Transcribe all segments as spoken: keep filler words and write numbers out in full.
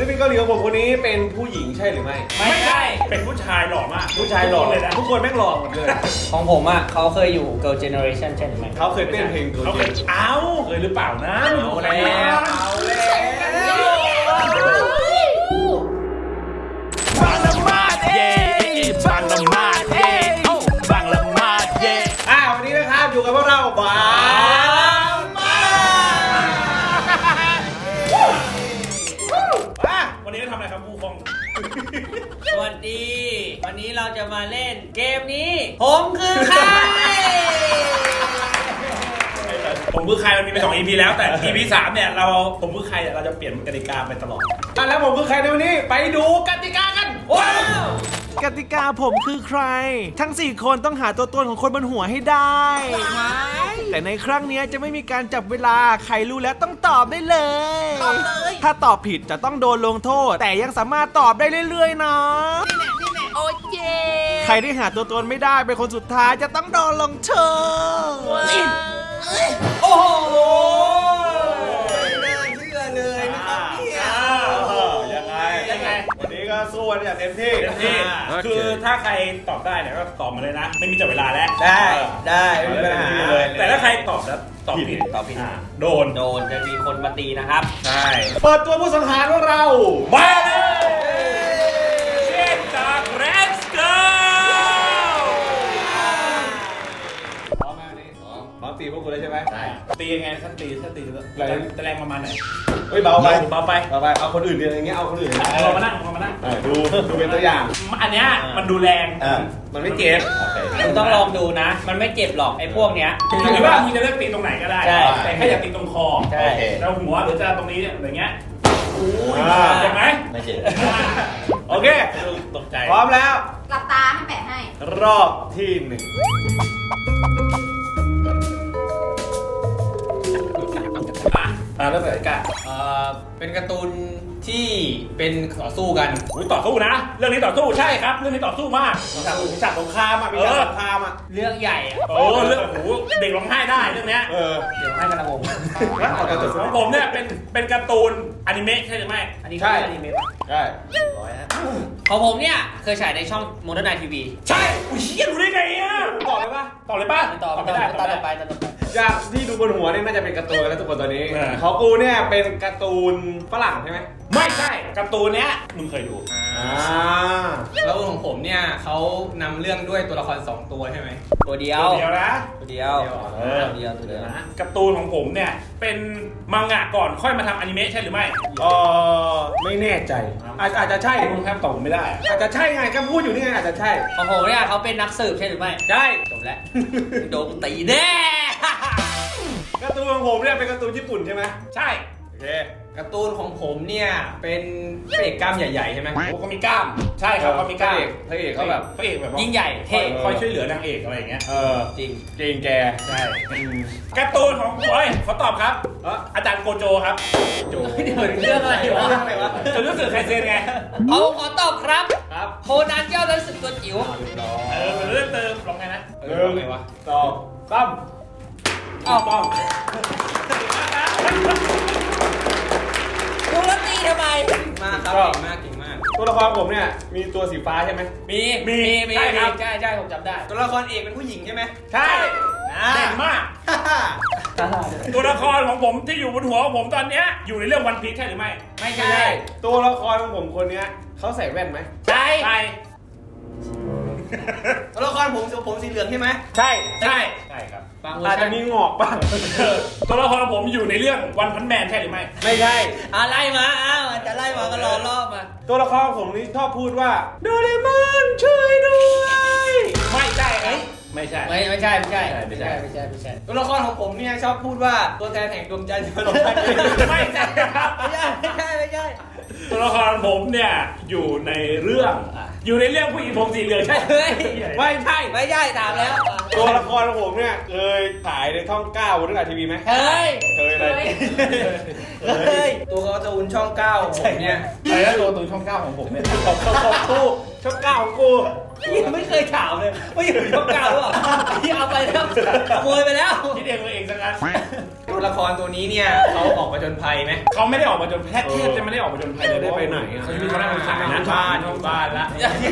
ศิลปินเกาหลีของผมคนนี้เป็นผู้หญิงใช่หรือไม่ไม่ใช่เป็นผู้ชายหล่อมากผู้ชายหล่อเลยนะทุกคนแม่งหล่อหมดเลยของผมอ่ะเขาเคยอยู่ Girl Generation ใช่หรือไม่เขาเคยเต้นเพลงเขาเคยเอ้าเคยหรือเปล่านะเอาแล้วเอาแล้วบังละมาดเย่บังละมาดเย่บังละมาดเย่อ่าวันนี้นะครับอยู่กับพวกเราบาวันนี้เราทำอะไรครับผู้คงสวัสดี วันนี้เราจะมาเล่นเกมนี้ผมคือใครผมคือใครมันมีไปสอง อี พี แล้วแต่ อี พี สามเนี่ยเราผมคือใครเราจะเปลี่ยนกติกาไปตลอดอ่ะแล้วผมคือใครในวันนี้ไปดูกติกากันว้าวกติกาผมคือใครทั้งสี่คนต้องหาตัวตนของคนบนหัวให้ได้แต่ในครั้งนี้จะไม่มีการจับเวลาใครรู้แล้วต้องตอบได้เลยตอบเลยถ้าตอบผิดจะต้องโดนลงโทษแต่ยังสามารถตอบได้เรื่อยๆนะนี่แหละนี่แหละโอ้เจใครที่หาตัวตนไม่ได้เป็นคนสุดท้ายจะต้องโดนลงโทษโอ้โหเชื่อเลยนะครับเนี่ยยังไงยังไงวันนี้ก็สู้กันอย่างเต็มที่เต็มที่คือถ้าใครตอบได้เนี่ยก็ตอบมาเลยนะไม่มีจับเวลาแล้วได้ได้ไม่มีปัญหาเลยแต่ถ้าใครตอบแล้วตอบผิดตอบผิดโดนโดนจะมีคนมาตีนะครับใช่เปิดตัวผู้สังหารของเรามาเลยเช่นจากเรสเกิร์พร้อมมากนี่พร้อมพร้อมตีพวกกูเลยใช่ไหมใช่ตียังไงท่านตีท่านตีจะแรงประมาณไหนเฮ้ยเบาไปเบาไปเบาไปเอาคนอื่นเดียวอย่างเงี้ยเอาคนอื่นเรามานั่งเรามานั่งดูดูเป็นตัวอย่างอันเนี้ยมันดูแรงมันไม่เจ็บคุณต้องลองดูนะมันไม่เจ็บหรอกไอ้พวกเนี้ยหรือว่ามึงจะเลือกตีตรงไหนก็ได้แต่แค่อย่าตีตรงคอแล้วหัวหรือจะตรงนี้อะไรเงี้ยเจ็บไหมไม่เจ็บโอเคตกใจพร้อมแล้วหลับตาให้แปะให้รอบที่หนึ่งอ่าเริ่มจากไอ้กะอ่าเป็นการ์ตูนที่เป็นต่อสู้กันอุ้ยต่อสู้นะเรื่องนี้ต่อสู้ใช่ครับเรื่องนี้ต่อสู้มากมีฉากสงครามอ่ะมีฉากสงครามอ่ะเรื่องใหญ่อ่ะโอ้เรื่องโอ้เด็กร้องไห้ได้เรื่องเนี้ยเออเดี๋ยวให้กันนะผมของผมเนี่ยเป็นเป็นการ์ตูนอนิเมะใช่หรือไม่อันนี้ใช่อนิเมะป่ะใช่ร้อยฮะของผมเนี่ยเคยฉายในช่องโมเดิร์นไนท์ทีวีใช่อุ้ยเชี่ยรู้ได้ไงอ่ะตอบเลยป่ะตอบเลยป่ะตอบไม่ได้ตอบต่อไปตอบต่อไปจากที่ดูบนหัวนี่น่าจะเป็นการ์ตูนแล้วทุกคนตอนนี้ของกูเนี่ยเป็นการ์ตูนฝรั่งใช่ไหมไม่ใช่การ์ตูนเนี้ยมึงเคยดูอ่าแล้วของผมเนี่ยเขานำเรื่องด้วยตัวละครสองตัวใช่ไหมตัวเดียวตัวเดียวนะตัวเดียวเออตัวเดียวตัวเดียวนะการ์ตูนของผมเนี่ยเป็นมังงะก่อนค่อยมาทำอนิเมะใช่หรือไม่เออไม่แน่ใจอาจอาจจะใช่มึงแทบตอบไม่ได้อาจจะใช่ไงก็พูดอยู่นี่ไงอาจจะใช่ของผมเนี่ยเขาเป็นนักสืบใช่หรือไม่ใช่จบแล้วโดนตีแน่การ์ตูนของผมเนี่ยเป็นการ์ตูนญี่ปุ่นใช่ไหมใช่โอเคการ์ตูนของผมเนี่ยเป็นพระเอกกล้ามใหญ่ๆใช่ไหมโอ้เขามีกล้ามใช่ครับเขามีกล้ามพระเอกเขาแบบพระเอกแบบยิ่งใหญ่เท่คอยช่วยเหลือนางเอกอะไรอย่างเงี้ยเออจริงจริงแกใช่การ์ตูนของเฮ้ยเขาตอบครับอาจารย์โกโจครับโจเดี๋ยวเรื่องอะไรวะจนรู้สึกใครเซนไงเอาขอตอบครับครับโคนันเจ้ารู้สึกตัวจิ๋วเออเป็นเรื่องเติมลองไงนะเรื่องไงวะตอบตั้มอ้าวป้องดูแล้วตีทำไมมากครับเก่งมากเก่งมากตัวละครผมเนี่ยมีตัวสีฟ้าใช่ไหมมีมีมีใช่ครับใช่ใช่ผมจำได้ตัวละครเอกเป็นผู้หญิงใช่ไหมใช่เด่นมากตัวละครของผมที่อยู่บนหัวของผมตอนเนี้ยอยู่ในเรื่องวันพีชใช่หรือไม่ไม่ใช่ตัวละครของผมคนนี้เขาใส่แว่นไหมใช่ใช่ตัวละครผมผมสีเหลืองใช่ไหมใช่ใช่ใช่ครับอาจจะมีงอกบ้างตัวละครผมอยู่ในเรื่องวันพันแมนใช่หรือไม่ไม่ใช่อ่ะไล่มาอ้าวจะไล่มาก็รอรอบมาตัวละครผมนี่ชอบพูดว่าโดเรมอนช่วยด้วยไม่ใช่เอ้ยไม่ใช่ไม่ไม่ใช่ไม่ใช่ไม่ใช่ไม่ใช่ไม่ใช่ตัวละครของผมเนี่ยชอบพูดว่าตัวแทนแห่งดวงจันทร์จะมาลงทันไม่ใช่ครับไม่ใช่ไม่ใช่ไม่ใช่ตัวละครผมเนี่ยอยู่ในเรื่องอยู่ในเรื่องผู้หญิงผมสีเหลืองใช่ไม่ใช่ไม่ใช่ถามแล้วตัวละครของผมเนี่ยเคยถ่ายในช่องเก้าบนทีวีไหมเคยเคยเลยเคยตัวการ์ตูนช่องเก้าของผมเนี่ยอะไรนะตัวการ์ตูนช่องเก้าของผมเนี่ยของของกูช่องเก้าของกูยังไม่เคยถามเลยว่าอยู่ช่องเก้าหรือเปล่าที่เอาไปแล้วขโมยไปแล้วคิดเองเองสักงั้นก็ตัวละครตัวนี้เนี่ยเขาออกมาจนภัยไหมเขาไม่ได้ออกมาจนแทบแทบจะไม่ได้ออกมาจนภัยเลยได้ไปไหนอะเขาจะมีเขาหน้าคนขายอยู่นะบ้านอยู่บ้านละ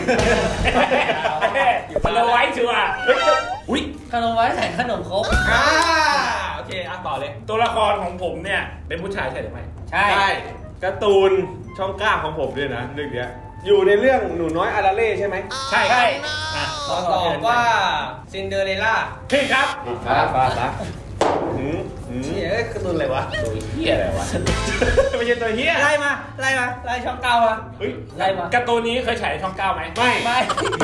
เราไว้ชัวร์อุ้ยขนมไว้ใส่ขนมครกอ่าโอเคอ่ะต่อเลยตัวละครของผมเนี่ยเป็นผู้ชายใช่หรือไม่ใช่ใช่การ์ตูนช่องเก้าของผมด้วยนะเรื่องเนี้ยอยู่ในเรื่องหนูน้อยอาราเล่ใช่ไหมใช่ครับอ่ะขอตอบว่าซินเดอเรลล่าพี่ครับครับครับหืมหืมเฮ้ยการ์ตูนอะไรวะตัวเฮียอะไรวะไม่ใช่ตัวเฮียไล่มาไล่มาไล่ช่องเก้ามาเฮ้ยไล่มาการ์ตูนนี้เคยฉายช่องเก้าไหมไม่ไม่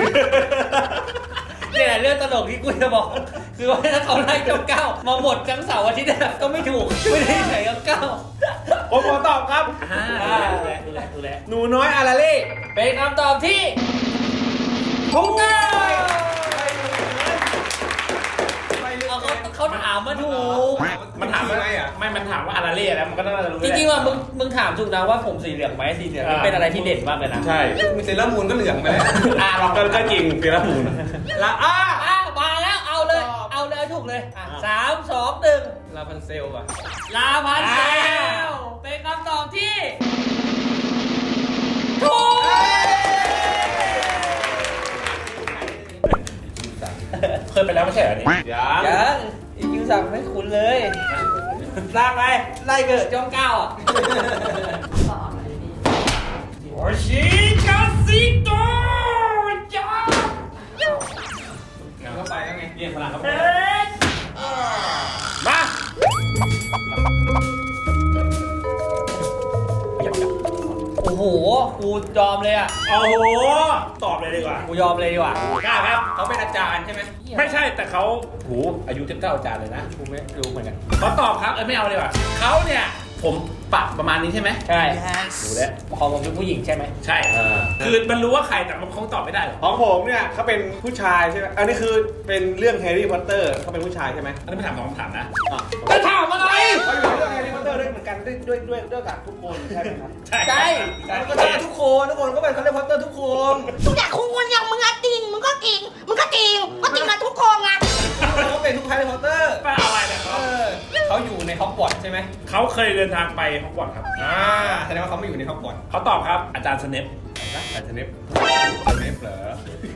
เนี่ยแหละเรื่องตลกที่กูจะบอก คือว่าถ้าเขาไล่ช่องเก้ามาหมดทั้งเสาร์อาทิตย์อะก็ไม่ถูกไม่ได้ใส่ช่องเก้าผมขอตอบครับอ่าดูแลดูแลดูแลหนูน้อยอาราเล่เป็นคำตอบที่ถูกต้องเอาเขาเขาถามมาถูกมันถามว่าไม่ มันถามว่าอาราเล่แล้วมันก็น่าจะรู้จริงๆว่ามึงมึงถามถูกนะว่าผมสีเหลืองไหมสีเหลืองนี่เป็นอะไรที่เด่นมากเลยนะใช่มีเซเลอร์มูนก็เหลืองไปแล้วอ่าลองก็ก็จริงเปียร์มูนละอ่าอ่ะมาแล้วเอาเลย เอาเลยถูกเลยอ่ะสามสองหนึ่งลาพันเซลว่ะลาพันเซลเป็นคำตอบที่ถูกเคยไปแล้วไม่ใช่เหรอเนี่ยยังยังอีคิวสั่งไม่คุ้นเลยสร้างไปไล่เกิดจ้องเก้าอ่ะโอชิคาซิโตจ้าก็ไปแล้วไงเรียกพลังครับมาโอ้โหกูยอมเลยอ่ะโอ้โห ตอบเลยดีกว่ากูยอมเลยดีกว่ากล้าครับเขาเป็นอาจารย์ใช่ไหมไม่ใช่แต่เขาโหอายุเจ็ดเก้าอาจารย์เลยนะกูไม่รู้เหมือนกันเขาตอบครับ เอ้ยไม่เอาเลยว่ะเขาเนี่ย ผมปรับประมาณนี้ใช่ไหมใช่ดูแล้วของผมเป็นผู้หญิงใช่ไหมใช่ คือมันรู้ว่าใครแต่มันคงตอบไม่ได้หรอกของผมเนี่ยเขาเป็นผู้ชายใช่ไหมอันนี้คือเป็นเรื่องแฮร์รี่พอตเตอร์เขาเป็นผู้ชายใช่ไหมอันนี้ไม่ถามสองคำถามนะอ่ะจะถามอะไรเขาอยู่ในเรื่องแฮร์รี่พอตเตอร์ด้วยเหมือนกันด้วยด้วยด้วยด้วยกับทุกคนใช่ไหมครับใช่ใช่มันก็ต้องทุกคนทุกคนก็เป็นคาร์เรพอตเตอร์ทุกคนมึงอยากคุงคนอย่างมึงอะจริง มึงก็จริง มึงก็จริง ก็จริงมาทุกโครงอะเขาเป็นทุกคาร์เรพอตเตอร์ไม่เอาอะไรเนี่ยเอเขาอเขาอยู่ในฮอกวอตส์ใช่ไหมเขาเคยเดินทางไปฮอกวอตส์ครับอ่าแสดงว่าเขาไม่อยู่ในฮอกวอตส์เขาตอบครับอาจารย์สเนปนะแต่สเนปสเนปเหรอ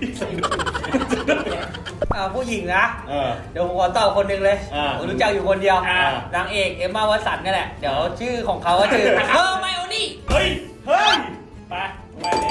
อ่าผู้หญิงนะเออเดี๋ยวผมขอตอบคนหนึ่งเลยอ่าผมรู้จักอยู่คนเดียวอ่านางเอกเอมมาวัตสันนี่แหละ เดี๋ยวชื่อของเขาก็ชื่อเฮอร์ไมโอนี่เฮ้ย เฮ้ย ไปไปเลย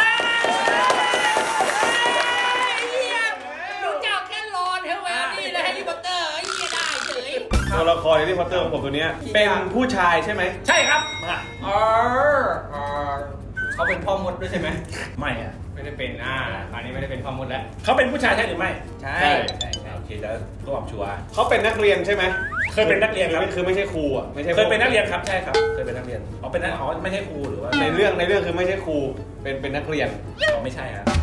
รู้จักแค่รอนเฮอร์ไมโอนี่และแฮร์รี่พอตเตอร์ไอ้เหี้ยได้เฉยตัวละครแฮร์รี่พอตเตอร์ของผมตัวเนี้ยเป็นผู้ชายใช่ไหมใช่ครับมาอ๋ออ๋อเขาเป็นพ่อมดด้วยใช่ไหมไม่อะไม่ได้เป็นอ่าอันนี้ไม่ได้เป็นพ่อมดแล้วเขาเป็นผู้ชายใช่หรือไม่ใช่ใช่ใช่ใช่โอเคแล้วก็ตอบชัวร์เขาเป็นนักเรียนใช่ไหมเคยเป็นนักเรียนครับคือไม่ใช่ครูอ่ะไม่ใช่เคยเป็นนักเรียนครับ ใช่ครับ เคยเป็นนักเรียนอ๋อเป็นนักอ๋อไม่ใช่ครูหรือว่าในเรื่องในเรื่องคือไม่ใช่ครูเป็นเป็นนักเรียนอ๋อไม่ใช่ครับ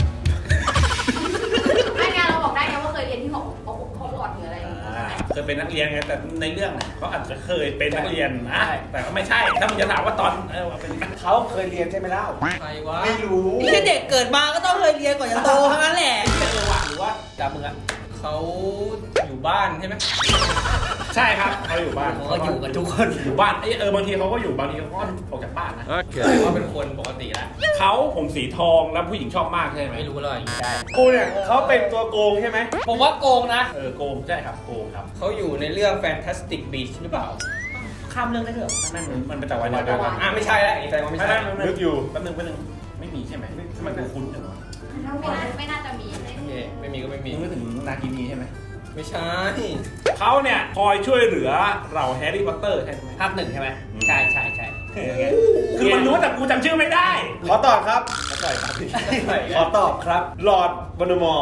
ไม่งานเราบอกได้ไงว่าเคยเรียนที่หอหอหอหลอดหรืออะไรอย่างเงี้ยอ่าเคยเป็นนักเรียนไงแต่ในเรื่องเนี่ยเขาอาจจะเคยเป็นนักเรียนนะแต่ก็ไม่ใช่ ถ้ามึงจะถามว่าตอนเออว่าเป็นเขาเคยเรียนใช่ไหมเล่าใครวะไม่รู้นี่เด็กเกิดมาก็ต้องเคยเรียนก่อนจะโตทั้งนั้นแหละเออว่ะหรือว่าจับมึงอะเขาอยู่บ้านใช่ไหมใช่ครับเขาอยู่บ้านเขาก็อยู่กันทุกคนอยู่บ้านเอยเออบางทีเขาก็อยู่บางทีเขาก็ออกจากบ้านนะถือว่าเป็นคนปกติแล้วเขาผมสีทองแล้วผู้หญิงชอบมากใช่ไหมไม่รู้เลยได้ครูเนี่ยเขาเป็นตัวโกงใช่ไหมผมว่าโกงนะเออโกงใช่ครับโกงครับเขาอยู่ในเรื่อง Fantastic Beasts หรือเปล่าข้ามเรื่องได้ด้วยเหรอนั่นมันมันเป็นแต่วันเดียวกันอ่าไม่ใช่แล้วอย่างนี้แสดงว่าไม่ไม่ใช่ใช่นึกอยู่แป๊บนึงแป๊บนึงไม่มีใช่ไหมทำไมกูคุ้นจังวะไม่น่าไม่น่าจะมีเลยไม่มีไม่มีก็ไม่มีมึงนึกถึงนากินีใช่ไหมไม่ใช่เขาเนี่ยคอยช่วยเหลือเราแฮร์รี่พอตเตอร์ใช่ไหมภาคหนึ่งใช่ไหมอืมใช่ใช่ใช่คือมันรู้แต่กูจำชื่อไม่ได้ขอตอบครับขอตอบครับหลอร์ดวอนเดอมอร์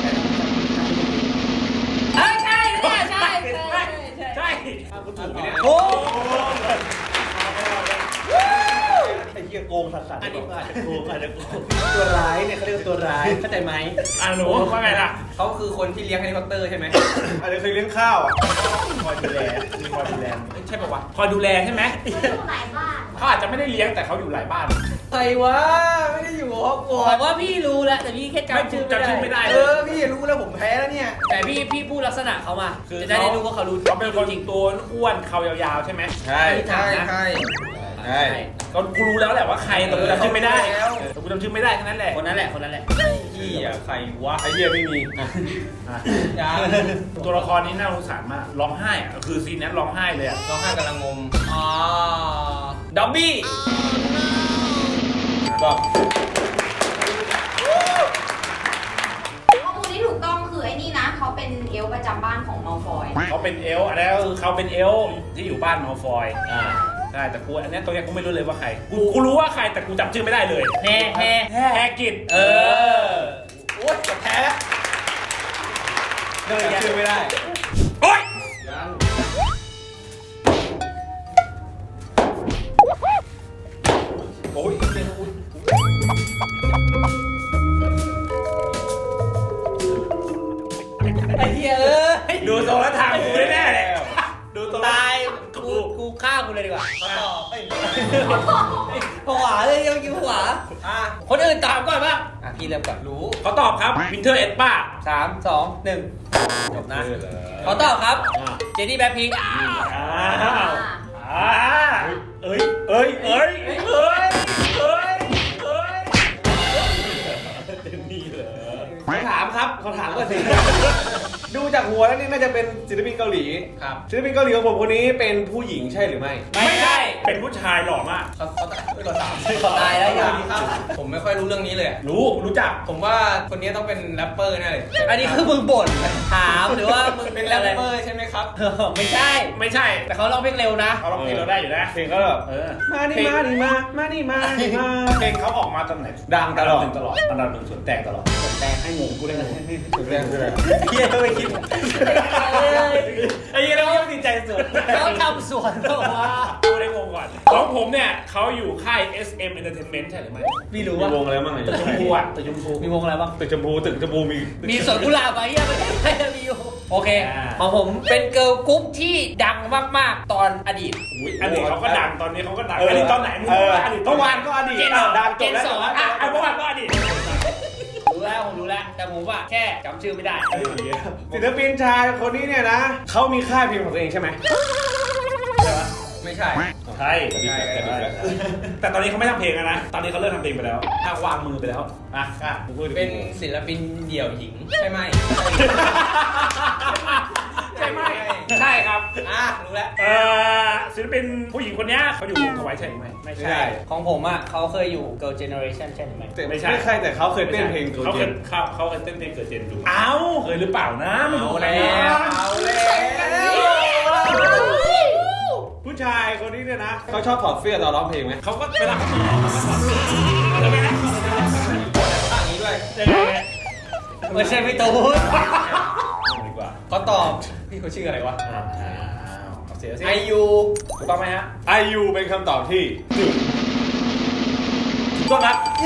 เอ้ยใช่ใช่ใช่ใช่ใช่กูถูกไหมเนี่ยโอ้ไอ้เหี้ยโกงสัสๆอันนี้อาจจะโกงอาจจะโกงตัวร้ายเนี่ยเขาเรียกว่าตัวร้ายเข้าใจไหมอ่ะหนูว่าไงล่ะเขาคือคนที่เลี้ยงแฮร์รี่พอตเตอร์ใช่ไหมอาจจะเคยเลี้ยงข้าวอ่ะคอยดูแลมีคอยดูแลเอ้ยใช่ป่าวะคอยดูแลใช่ไหมหลายบ้านเขาอาจจะไม่ได้เลี้ยงแต่เขาอยู่หลายบ้านใครวะไม่ได้อยู่หอฮอกวอผตมว่าพี่รู้แล้วแต่พี่แค่ไม่จำชื่อจำชื่อไม่ได้เออพี่รู้แล้วผมแพ้แล้วเนี่ยแต่พี่พี่พูดลักษณะเขามาคือจะได้รู้ว่าเขารู้เขาเป็นคนจริงตัวอ้วนเขายาวๆใช่ไหมใช่ใช่ใช่ใช่ก็กูรู้แล้วแหละว่าใครแต่กูจำชื่อไม่ได้แต่กูจำชื่อไม่ได้แค่นั้นแหละคนนั้นแหละคนนั้นแหละพี่อะใครวะไอ้เหี้ยไม่มีอ่ะยังตัวละครนี้น่าสงสารมากร้องไห้อะคือซีนนั้นร้องไห้เลยอะร้องไห้กำลังงมอ๋อดับบี้ก็ข้อมูลที่ถูกต้องคือไอ้นี่นะเขาเป็นเอลฟ์ประจำบ้านของมัลฟอยเขาเป็นเอลฟ์อันนั้นก็คือเขาเป็นเอลฟ์ที่อยู่บ้านมอลฟอยอ่าใช่แต่กูอันเนี้ยตัวเนี้ยกูไม่รู้เลยว่าใครกูกูรู้ว่าใครแต่กูจำชื่อไม่ได้เลยแฮ่แฮ่แฮกิจเออโอ๊ยจะแพ้เดินชื่อไม่ได้โอ๊ยยังโอ๊ยไอ้เหี้ยเอ้ยดูทรงแล้วทางกูแน่ๆเลยดูทรงแล้วตายกูกูฆ่ากูเลยดีกว่าต่อผวาเลยยังกินผวาอ่ะคนอื่นตามก่อนบ้างอ่ะพี่เริ่มก่อนรู้เขาตอบครับวินเทอร์เอ็ดป้าสามสองหนึ่งจบนะเออเหรอเขาตอบครับอ่ะเจนี่แบ็คพิงค์อ้าวอ่าเอ้ยเอ้ยเอ้ยเอ้ยเอ้ยเอ้ยเอ้ยเจนนี่เหรอเขาถามครับเขาถามก็สิ ดูจากหัวแล้วนี่น่าจะเป็นศิลปินเกาหลีครับศิลปินเกาหลีของผมคนนี้เป็นผู้หญิงใช่หรือไม่ไม่ใช่เป็นผู้ชายหล่อมากเขาเขาเขาถามเขาตายแล้วยังครับผมไม่ค่อยรู้เรื่องนี้เลยอะรู้รู้จักผมว่าคนนี้ต้องเป็นแรปเปอร์แน่เลยอันนี้คือมึงบ่นถามหรือว่ามึงเป็นแรปเปอร์ใช่ไหมครับไม่ใช่ไม่ใช่แต่เขาร้องเพลงเร็วนะเขาร้องเพลงเราได้อยู่นะเพลงก็แบบเออมานี่มานี่มา มานี่มานี่มาเพลงเขาออกมาตอนไหนดังตลอดนดับหนึ่งตลอดอันดับหนึ่งส่วนแตกตลอดส่วนแตกให้งงกูได้งงสุดแรงสุดแรงเฮียไม่คิดไอ้ยี่เราดีใจสุดเขาทำสวนบอกว่ากูได้งงก่อนของผมเนี่ยเขาอยู่ค่าย เอส เอ็ม Entertainment ใช่หรือไม่ไม่รู้มีว่าวงอะไรบ้างตึกชมพูอ่ะตึกชมพูมีวงอะไรบ้างตึกชมพูตึกชมพูมีมีสวนกุหลาบอะเฮียไม่ได้ไม่ได้มีอยู่โอเคอ่าของผมเป็นเกิร์ลกรุ๊ปที่ดังมากๆ ตอนอดีตอุ้ยอดีตเขาก็ดังตอนนี้เขาก็ดังเอออดีตตอนไหนมึงเออว่าอดีตเมื่อวานก็อดีตเจนอ่ะดังจเจบนแล้วสองอ่ะอ่ะเมื่อวานก็อดีตรู้แล้วผมรู้แล้วแต่ผมว่าแค่จำชื่อไม่ได้ศิลปินชายคนนี้เนี่ยนะเขามีค่ายเพลงของตัวเองใช่ไหมไม่ใช่ใช่ใช่แต่ตอนนี้เขาไม่ทำเพลงแล้วนะ ตอนนี้เขาเลิกทำเพลงไปแล้วถ้าวางมือไปแล้วอ่ะอ่ะกูพูดดิเป็นศิลปินเดี่ยวหญิงใช่ไหมใช่ไหมใช่ครับอ่ะรู้แล้วเอ่อศิลปินผู้หญิงคนเนี้ยเขาอยู่วงทวายใช่ไหมไม่ไม่ใช่ใช่ของผมอ่ะเขาเคยอยู่ Girl Generation ใช่ไหมแต่ไม่ไม่ใช่ใช่แต่เขาเคยเต้นเพลงตัวเขาจเคริยงเขาเขาเคยเต้นเพลงเกิดเจนดูอ้าวเคยหรือเปล่านะไม่รู้เอานะแล้วเอาแล้วผู้ชายคนนี้เนี่ยนะเขาชอบถอดเสื้อตอนร้องเพลงไหมเขาก็เวลาเขาร้องเขาก็สอนใช่ไหมนะข้างนี้ด้วยยังไงเนี่ยไม่ใช่พี่ตูนดีกว่าเขาตอบพี่เขาชื่ออะไรวะอ้าวเอาเสียสิไอยูถูกต้องไหมฮะไอยูเป็นคำตอบที่ถูกต้องครับเย้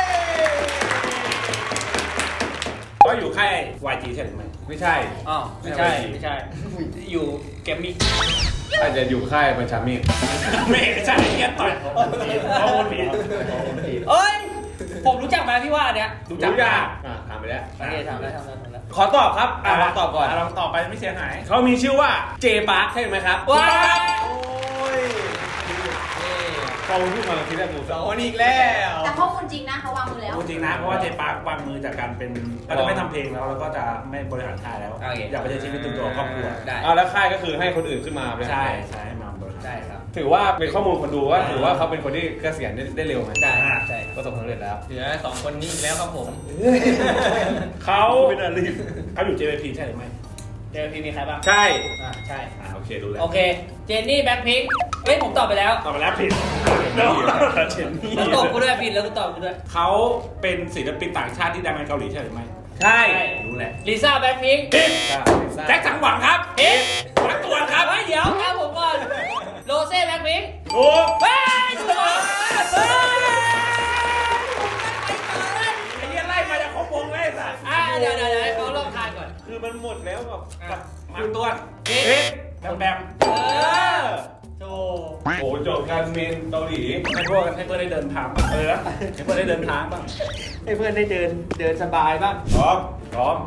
ก็อยู่ค่าย วาย จี ใช่หรือไม่ไม่ใช่อ๋อไม่ใช่ไม่ใช่ อยู่แกมมี่อาจจะอยู่ค่ายบัญชามีดไม่ใช่เงี้ยต่อยเขาคนผิดเอ้ย ผมรู้จักไหมพี่ว่าอันเนี้ยรู้จักรู้จักอ่ะถามไปแล้วโอเคถามแล้วถามแล้วถามแล้วขอตอบครับอ่ะลองตอบก่อนลองตอบไปไม่เสียหายเขามีชื่อว่าเจปาร์คใช่ไหมครับว้าวโอ้ยเขาพูดมาทีแรกกูสองคนอีกแล้วแต่ข้อมูลจริงนะเขาวางมือแล้วจริงนะเพราะว่าเจปาร์ควางมือจากการเป็นก็จะไม่ทำเพลงแล้วแล้วก็จะไม่บริหารค่ายแล้ว อยากไปใช้ชีวิตตัวตัวครอบครัวได้เอาแล้วค่ายก็คือให้คนอื่นขึ้นมาเป็นใช่ใช่ให้มาบริหารใช่ครับถือว่าเป็นข้อมูลคนดูว่าถือว่าเขาเป็นคนที่เกษียณได้ได้เร็วไหมได้ใช่ประสบความสำเร็จแล้วเหลือสองคนนี้อีกแล้วครับผมเขาไม่น่ารีบเขาอยู่ เจ วี พี ใช่หรือไม่เจพี่มีใครบ้างใช่อ่าใช่อ่าโอเคดูแล้วโอเค เจนนี่แบ็คพิงค์เฮ้ยผมตอบไปแล้วตอบไปแล้วผิดเจนนี่แล้วตอบกูด้วยผิดแล้วกูตอบกูด้วยเขาเป็นศิลปินต่างชาติที่ดังในเกาหลีใช่หรือไม่ใช่รู้แหละลิซ่าแบ็คพิงค์ผิดแจ็คสังหวังครับผิดรักตัวนครับเฮ้ยเดี๋ยวครับผมก่อนโรเซ่แบ็คพิงค์ถูกเฮ้ยถูกเหรอเฮ้ยไอ้เหี้ยไล่มาจากของวงเลยสัตว์อ่ะเดี๋ยวเดี๋ยวเดี๋ยวให้เขาลองทายก่อนคือมันหมดแล้วกับกับมาตัวนผิดผิดแบมแบมเออถูกโอ้จบการเมนเกาหลีให้พวกให้เพื่อนได้เดินทางบ้างเออให้เพื่อนได้เดินทางบ้างให้เพื่อนได้เดินเดินสบายบ้างพร้อมพร้อม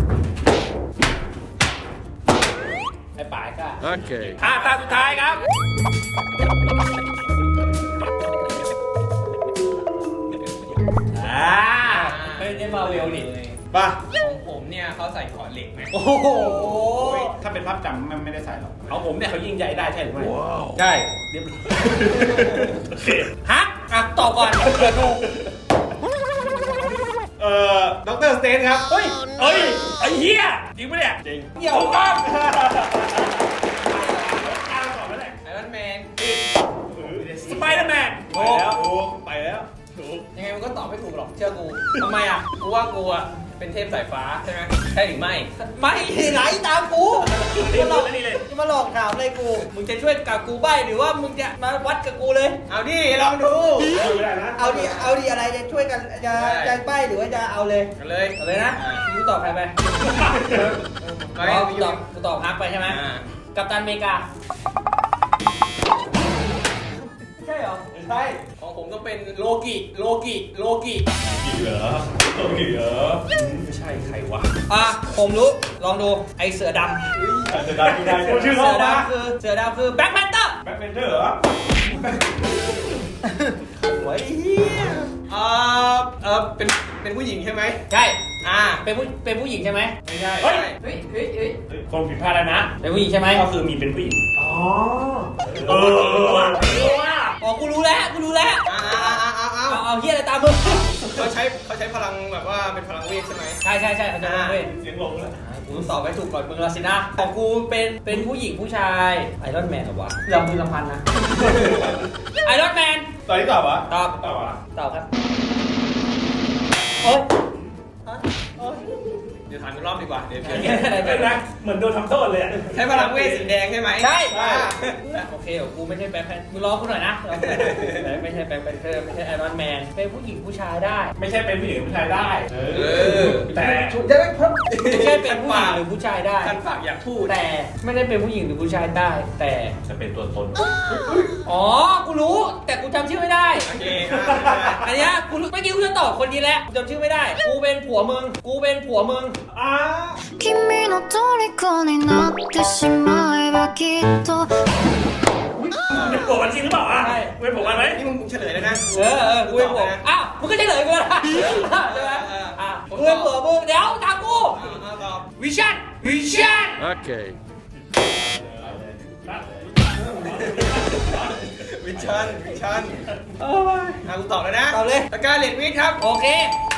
ไอ้ป๋ายก็โอเคห้าตาสุดท้ายครับอ่าไม่ได้มาเวลนี่ป่ะของผมเนี่ยเขาใส่ขอเหล็กไหมโอ้โหถ้าเป็นภาพจำมันไม่ได้ใส่หรอกเอาผมเนี่ยเขายิงใหญ่ได้ใช่หรือไม่ใช่เรียบร้อยฮะอ่ะตอบก่อนเผื่อถูกเอ่อด็อกเตอร์สเตนครับ เฮ้ยเฮ้ย ไอ้เหี้ย จริงปะเนี่ย จริงเดี๋ยวถูกต้องอ้าวตอบแล้วแหละไอรอนแมนสไปเดอร์แมนไปแล้วถูกไปแล้วถูกยังไงมันก็ตอบไม่ถูกหรอกเชื่อกูทำไมอ่ะกูว่ากูอ่ะเป็นเทพสายฟ้าใช่ไหมใช่หรือไม่ไม่ไหนตามกูจะมาหลอกนี่เลยจะมาหลอกถามอะไรกู มึงจะช่วยกับกูใบ้หรือว่ามึงจะมาวัดกับกูเลยเอาดิลองดูไม่ได้นะเอาดิ เอาดิอะไรจะช่วยกันจะจะใบ้หรือว่าจะเอาเลยกันเลยเอาเลยนะกูตอบใครไปไม่อ๋อกูตอบกูตอบฮักไปใช่ไหมอ่ากัปตันอเมริกา ใช่เหรอใช่ของผมต้องเป็นโลกิโลกิโลกิกี่เหรอกี่เหรอไม่ใช่ใครวะอ่ะ ผมรู้ ลองดู ไอเสือดำจะได้ไม่ได้ชื่อเสืเขาอปะดำคือ เสือดำคือแบ็คแพนเตอร์แบ็คเมนเทอร์เหรอโอ้ยเฮียเอ่อเออเป็นเป็นผู้หญิงใช่ไหมใช่อ่าเป็นผู้ เป็นผู้หญิงใช่ไหมไม่ใช่เฮ้ยเฮ้ยเฮ้ยเฮ้ยคนผิดพลาดแล้วนะเป็นผู้หญิงใช่ไหมก็คือมีเป็นผู้หญิงอ๋อเออเออว่ะเออว่ะอ๋อ กูรู้แล้ว กูรู้แล้วอ่าอ่าอ่าอ่าอ่าเอา เอาเฮียอะไรตามมึงเขาใช้เขาใช้พลังแบบว่าเป็นพลังเวทใช่ไหมใช่ใช่ใช่เขาจะรู้เว้ยเสียงหลงแล้วกูตอบไม่ถูกก่อนมึงและสินะ ของกูเป็น เป็นผู้หญิงผู้ชายไอรอนแมนเหรอวะลำพึงลำพันนะ ไอรอนแมนตอนนี้ตอบวะตอบตอบวะตอบครับโอ๊ยเดี๋ยวถามอีกรอบดีกว่าเดี๋ยวเดี๋ยวอะไรเป็นนะเหมือนโดนทำโทษเลยอะใช้พลังเวทสีแดงใช่ไหมใช่อ่าโอเคกูไม่ใช่แบ็คแพนมึงรอกูหน่อยนะรอกูหน่อยไม่ใช่แบ็คแพนเทอร์ไม่ใช่ไอรอนแมนเป็นผู้หญิงผู้ชายได้ไม่ใช่เป็นผู้หญิงผู้ชายได้ เอเอออแต่จะไม่ไม่ใช่เป็นผู้หญิงหรือผู้ชายได้ท่านฝากอยากพูดแต่ไม่ได้เป็นผู้หญิงหรือผู้ชายได้ แต่จะเป็นตัวตนอ๋อกูรู้ แต่กูจำชื่อไม่ได้โอเคอ่าอันเนี้ยกูรู้เมื่อกี้กูจะตอบคนนี้แหละกูจำชื่อไม่ได้ กูเป็นผัวมึง กูเป็นผัวมึงอ้า君の虜になってしまえばきっとเป็นผัวมันจริงหรือเปล่าอ่ะใช่เป็นผัวมันไหมนี่มึงเฉลยแล้วนะเออเออกูเป็นผัวอ้าวมึงก็เฉลยกูแล้วนะใช่ไหมอ่ะกูเป็นผัวมึงเดี๋ยวตามกูอ่าตอบวิชั่นวิชั่นโอเควิชันวิชันโอ้ยอ่ากูตอบแล้วนะตอบเลยตะกร้าเหล็กวิทย์ครับโอเค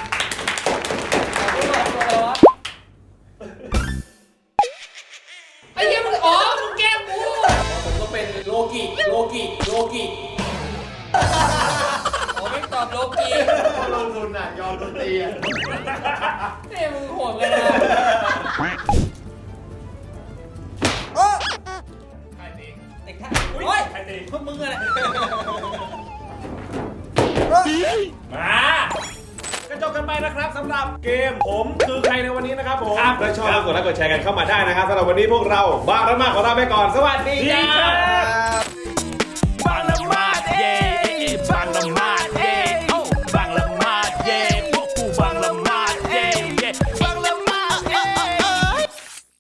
ไอ้เหี้ยมึงอ๋อมึงแกล้งกูผมก็เป็นโลกิโลกิโลกิอ๋อไม่ตอบโลกีลงทุนอ่ะ ยอมดนตรีอ่ะนี่มึงโหดกันนะใครตีเด็กท่านโอ้ยใครตีพวกมึงอะไรมา ก็จบกันไปนะครับสำหรับเกมผมคือใครในวันนี้นะครับผมถ้าชอบกดไลค์กดแชร์กันเข้ามาได้นะครับสำหรับวันนี้พวกเราบ้าระมากของเราไปก่อน สวัสดีคครัรับบ